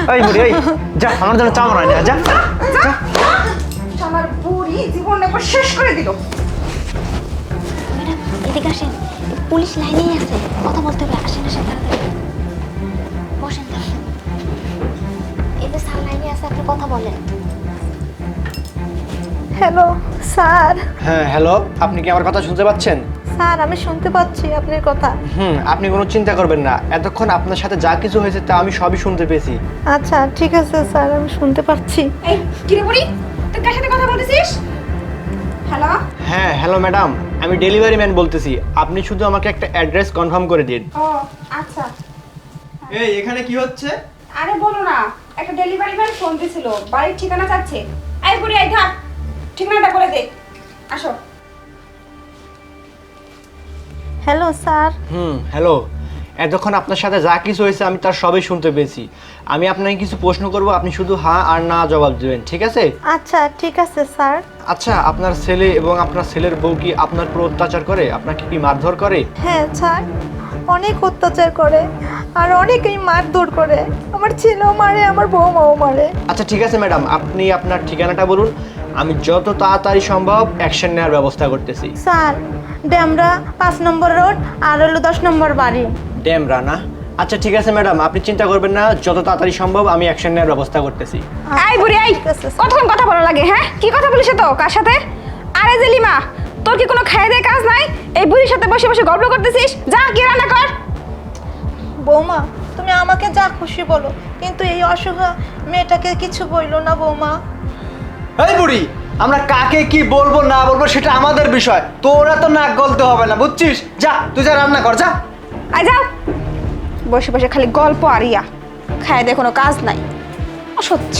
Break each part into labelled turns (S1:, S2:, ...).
S1: এই বুড়ি এই যা আমার জন্য চা বানাই না যা
S2: আমার বুড়ি জীবন একবার শেষ করে দিল।
S3: ম্যাডাম এদিকে আসেন, পুলিশ লাইনেই আছে, কথা বলতে হবে। আসেন আসেন তাড়াতাড়ি বসেন। তাড়াতাড়ি এই যে স্যার লাইনে আছে, আপনি কথা বলেন।
S4: Hello sir.
S1: হ্যাঁ হ্যালো, আপনি কি আমার কথা শুনতে পাচ্ছেন?
S4: স্যার আমি শুনতে পাচ্ছি আপনার কথা।
S1: আপনি কোনো চিন্তা করবেন না, এতক্ষণ আপনার সাথে যা কিছু হয়েছে তা আমি সবই শুনতে পেয়েছি।
S4: আচ্ছা ঠিক আছে স্যার, আমি শুনতে পাচ্ছি।
S2: এই কি রে বুড়ি, তুই কার সাথে কথা বলতেছিস? হ্যালো।
S1: হ্যাঁ হ্যালো ম্যাডাম, আমি ডেলিভারি ম্যান বলতেছি। আপনি শুধু আমাকে একটা অ্যাড্রেস কনফার্ম করে দিন।
S2: ও আচ্ছা।
S5: এই এখানে কি হচ্ছে?
S2: আরে বলো না, একটা ডেলিভারি ম্যান ফোন দিছিল, বাড়ির ঠিকানা চাচ্ছে। এই বুড়ি এই থাক, ঠিকানাটা বলে দে। আসো।
S4: Hello sir.
S1: হ্যালো, এতক্ষণ আপনার সাথে যা কিছু হয়েছে আমি তার সবই শুনতে পেয়েছি। আমি আপনাকে কিছু প্রশ্ন করব, আপনি শুধু হ্যাঁ আর না জবাব দেবেন, ঠিক আছে?
S4: আচ্ছা ঠিক আছে স্যার।
S1: আচ্ছা, আপনার ছেলে এবং আপনার ছেলের বউ কি আপনার উপর অত্যাচার করে? আপনাকে কি মারধর করে?
S4: হ্যাঁ স্যার, অনেক অত্যাচার করে আর অনেকেই মারধর করে। আমার ছেলেও মারে, আমার বৌমাও মারে।
S1: আচ্ছা ঠিক আছে ম্যাডাম, আপনি আপনার ঠিকানাটা বলুন, আমি যত তাড়াতাড়ি সম্ভব অ্যাকশন নেওয়ার ব্যবস্থা করতেছি।
S4: স্যার ড্যামরা 5 নম্বর রোড আর হলো 10 নম্বর বাড়ি।
S1: ড্যামরা না? আচ্ছা ঠিক আছে ম্যাডাম, আপনি চিন্তা করবেন না, যত তাড়াতাড়ি সম্ভব আমি অ্যাকশন নেওয়ার ব্যবস্থা করতেছি।
S2: এই বুড়ি এই,
S4: ঠিক আছে, স্যার।
S2: কতক্ষণ কথা বলা লাগে? হ্যাঁ কি কথা বলিস তো কার সাথে? আরে জেলিমা, তোর কি কোনো খায় দেয় কাজ নাই? এই বুড়ির সাথে বসে বসে গল্প করতেছিস? যা কি রান্না কর।
S4: বৌমা তুমি আমাকে যা খুশি বলো, কিন্তু এই অসহায় মেয়েটাকে কিছু বইলো না বৌমা।
S5: এই বুড়ি, আমরা কাকে কি বলবো না বলবো সেটা আমাদের বিষয়, তোরা তো নাক গলতে হবে না, বুঝছিস? যা তুই যা রান্না কর যা।
S2: আয় যাও, বসে বসে খালি গল্প আর ইয়া, খায় দেয় কোনো কাজ নাই, অসহ্য।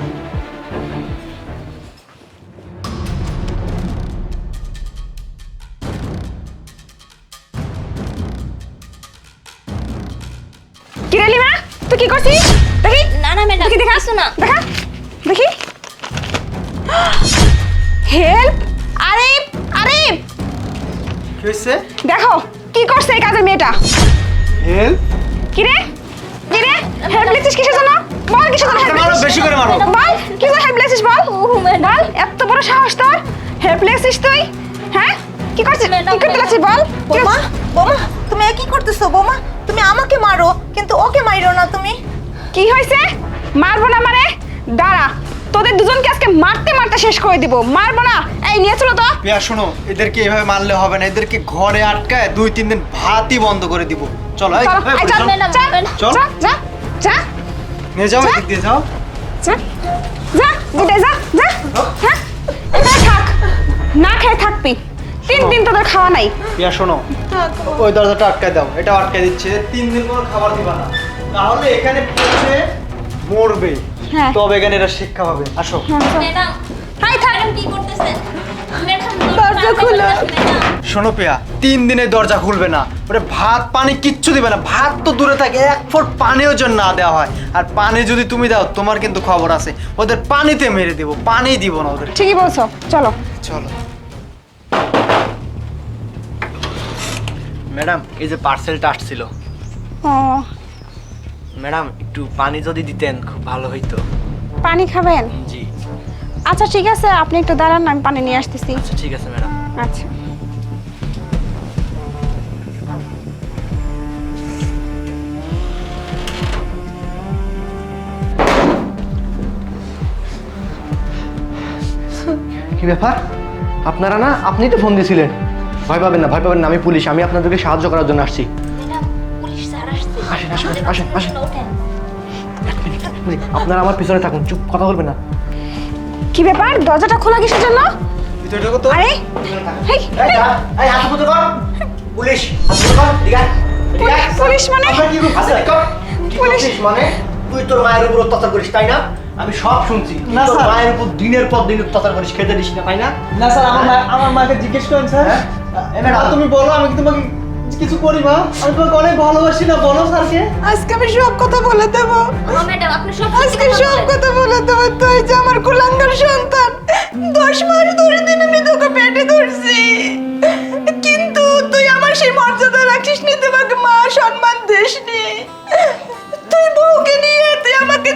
S2: কি রে লিমা, তুই কি করছিস? দেখি
S3: না না ম্যাডাম,
S2: দেখি দেখা,
S3: কিছু না।
S2: দেখা দেখি। হেল্প! আরে আরে
S5: কি হয়েছে?
S2: দেখো কি করছে এই কাজের মেয়েটা।
S5: হেল্প?
S2: কি রে কি রে, হেল্প লিখছিস কিসের জন্য? বল কিসের জন্য হেল্প
S5: মারো,
S2: লিখছিস?
S5: বেশি করে মারো।
S2: বল কি জন্য হেল্প লিখছিস বল। বল, এত বড় সাহস তোর, হেল্প লিখছিস তুই? হ্যাঁ কি করছিস? কি করতে লাগছিস বল। কি
S4: বৌমা
S2: করছিস?
S4: বৌমা তুমি কি করতেছো? বৌমা তুমি আমাকে মারো, কিন্তু ওকে মাইরো না তুমি।
S2: কি হয়েছে? মারবো না মানে? দাঁড়া, তোদের দুজনকে আজকে মারতে মারতে শেষ করে দিব। মারবো না, এই নিয়ে চলো তো।
S5: পিয়া শোনো, এদেরকে এভাবে মারলে হবে না, এদেরকে ঘরে আটকায় 2-3 দিন ভাতই বন্ধ করে দিব। চলো এই,
S2: চলো,
S5: এই,
S2: এই চল,
S5: চল।
S3: ম্যাডাম,
S2: চল,
S3: ম্যাডাম।
S5: চল।
S2: যা, যা, যা,
S5: নিয়ে যাও,
S2: চল।
S5: এদিক দিয়ে যাও।
S2: যা, যা, বিদায় যা, যা। হ্যাঁ, এখানে থাক, না খেয়ে থাকবি। 3 দিন তোদের খাওয়া নাই।
S5: পিয়া শোনো, ওই দরজাটা আটকায় দাও, এটা আটকায় দিচ্ছে, 3 দিন কোনো খাবার দিবা না, তাহলে এখানে পৌঁছে মরবে।
S2: হ্যাঁ।
S5: তবে এখানে এটা শিক্ষা পাবে। আসো।
S3: ম্যাডাম,
S2: হাই থাক।
S3: ম্যাডাম কি করতেছেন? ম্যাডাম
S4: দরজা খুলো।
S3: ম্যাডাম,
S5: শোনো পিয়া, 3 দিনে দরজা খুলবে না, ওরে ভাত পানি কিচ্ছু দিবে না, ভাত তো দূরে থাকে, 1 ফোঁটা পানিও যেন না দেওয়া হয়, আর পানি যদি তুমি দাও তোমার কিন্তু খবর আছে, ওদের পানিতে মেরে দিব, পানি দিব না ওদের।
S2: ঠিকই বলছো, চলো।
S5: চলো।
S1: ম্যাডাম এই যে পার্সেলটা আসছিল,
S2: ও,
S1: ম্যাডাম একটু পানি যদি দিতেন খুব ভালো হইতো।
S2: পানি খাবেন?
S1: জি।
S2: আচ্ছা ঠিক আছে, আপনি একটু দাঁড়ান, আমি পানি নিয়ে আসতেছি।
S1: আচ্ছা ঠিক আছে ম্যাডাম।
S2: আচ্ছা।
S1: কি ব্যাপার? আপনারা না, আপনি তো ফোন দিয়েছিলেন। ভয় পাবেন না, ভয় পাবেন না, আমি পুলিশ, আমি আপনাদেরকে সাহায্য করার জন্য আসছি।
S3: ম্যাডাম, পুলিশ স্যার আসছে।
S1: আসেন, আসেন, আসেন, আসেন, আসেন।
S3: ওঠেন।
S1: আপনারা আমার পিছনে থাকুন, চুপ, কথা বলবেন না।
S2: কি ব্যাপার, দরজাটা খোলা কিসের জন্য?
S5: ভিতরে ঢোকো তো।
S2: আরে হেই,
S1: এই হাত উপরে কর। পুলিশ, হাত উপরে কর, এদিকে আয়, এদিকে আয়।
S2: পুলিশ মানে?
S1: আপনার কি রূপ আছে? কি
S2: পুলিশ।
S1: করছিস মানে? তুই তোর মায়ের উপর অত্যাচার করিস তাই না? আমি সব শুনছি। তুই
S5: না,
S1: তোর
S5: স্যার।
S1: মায়ের উপর দিনের পর দিন অত্যাচার করিস, খেতে দিস না তাই না?
S5: না স্যার, আমার মাকে জিজ্ঞেস করেন স্যার।
S1: হ্যাঁ?
S5: এবার তুমি বলো, আমি কি তোমাকে কিছু করি মা? আমি তোমাকে অনেক ভালোবাসি না, বলো স্যারকে।
S4: আজকে আমি সব কথা বলে দেবো,
S3: ও ম্যাডাম, আপনি সব
S4: আজকে সব কথা বলে দেবো। তুই যে আমার কুলাঙ্গার সন্তান, 10 মাস ধরে দিন আমি তোকে পেটে ধরছি, কিন্তু তুই আমার সেই মর্যাদা রাখিস নি, তোমাকে মা সম্মান দিস নি। তুই বউকে নিয়ে তুই আমাকে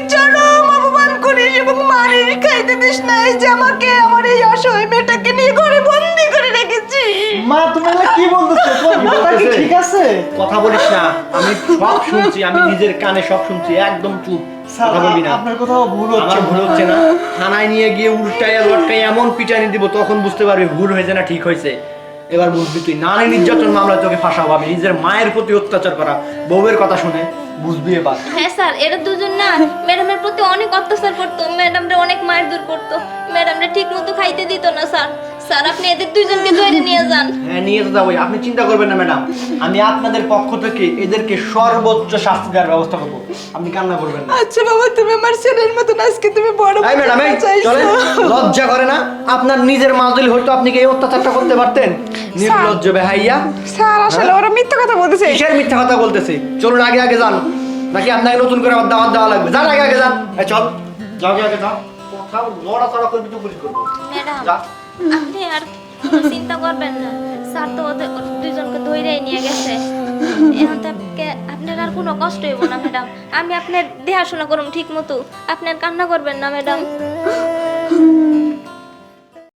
S4: চরম অপমান করিস এবং মারিস, খাইতে দিস না। এই যে আমাকে, আমার এই অসহায় মেয়েটাকে নিয়ে ঘরে বন্দি করে রেখেছিস।
S5: মা তুমি এগুলো কি বলতেছো? তোমার মাথা কি ঠিক আছে?
S1: কথা বলিস না, আমি সব শুনছি, আমি নিজের কানে সব শুনছি, একদম চুপ, কথা বলবি না।
S5: আপনার কোথাও ভুল হচ্ছে।
S1: আমার ভুল হচ্ছে না, থানায় নিয়ে গিয়ে উল্টাইয়া লটকাই এমন পিটানি দিব, তখন বুঝতে পারবি ভুল হয়েছে না ঠিক হয়েছে। এবার বুঝবি তুই, নারী নির্যাতন মামলায় তোকে ফাঁসাবো আমি, নিজের মায়ের প্রতি অত্যাচার করা, বউয়ের কথা শুনে, বুঝবি এবার।
S3: হ্যাঁ স্যার, এরা দুজন না ম্যাডামের প্রতি অনেক অত্যাচার করতো, ম্যাডামরা অনেক মায়ের দূর করতো, ম্যাডামরা ঠিক মতো খাইতে দিত না স্যার। স্যার আপনি এদের দুজনকে ধরে নিয়ে যান।
S1: হ্যাঁ নিয়ে তো যাবোই, আপনি চিন্তা করবেন না ম্যাডাম, আমি আপনাদের পক্ষ থেকে এদেরকে সর্বোচ্চ শাস্তি দেওয়ার ব্যবস্থা করবো, আপনি কান্না করবেন না।
S4: আচ্ছা বাবা, তুমি আমার ছেলের মতন, আজকে তুমি বড়
S1: এই ম্যাডাম, এই চলেন, লজ্জা করে না? আপনার নিজের মা যদি হয়তো আপনি কি এই অত্যাচারটা করতে পারতেন? নির্লজ্জ বেহাইয়া।
S2: স্যার আসলে ওরা মিথ্যা কথা বলতেছে।
S1: কিসের মিথ্যা কথা বলতেছে? চলুন আগে আগে যান, নাকি আপনাকে নতুন করে আবার দাওয়াত দেওয়া লাগবে? যান আগে আগে যান, এই চল, যাও আগে আগে যাও, কোথাও নড়াচড়া করবি তো পুলিশ করবো।
S3: ম্যাডাম
S1: যা।
S3: আপনি আর কোনো চিন্তা করবেন না, স্যার তো ওদের দুজনকে ধরেই নিয়ে গেছে। এখন তো আপনার আর কোনো কষ্ট হইব না ম্যাডাম, আমি আপনার দেখাশোনা করুন ঠিক মতো, আপনি আর কান্না করবেন না ম্যাডাম।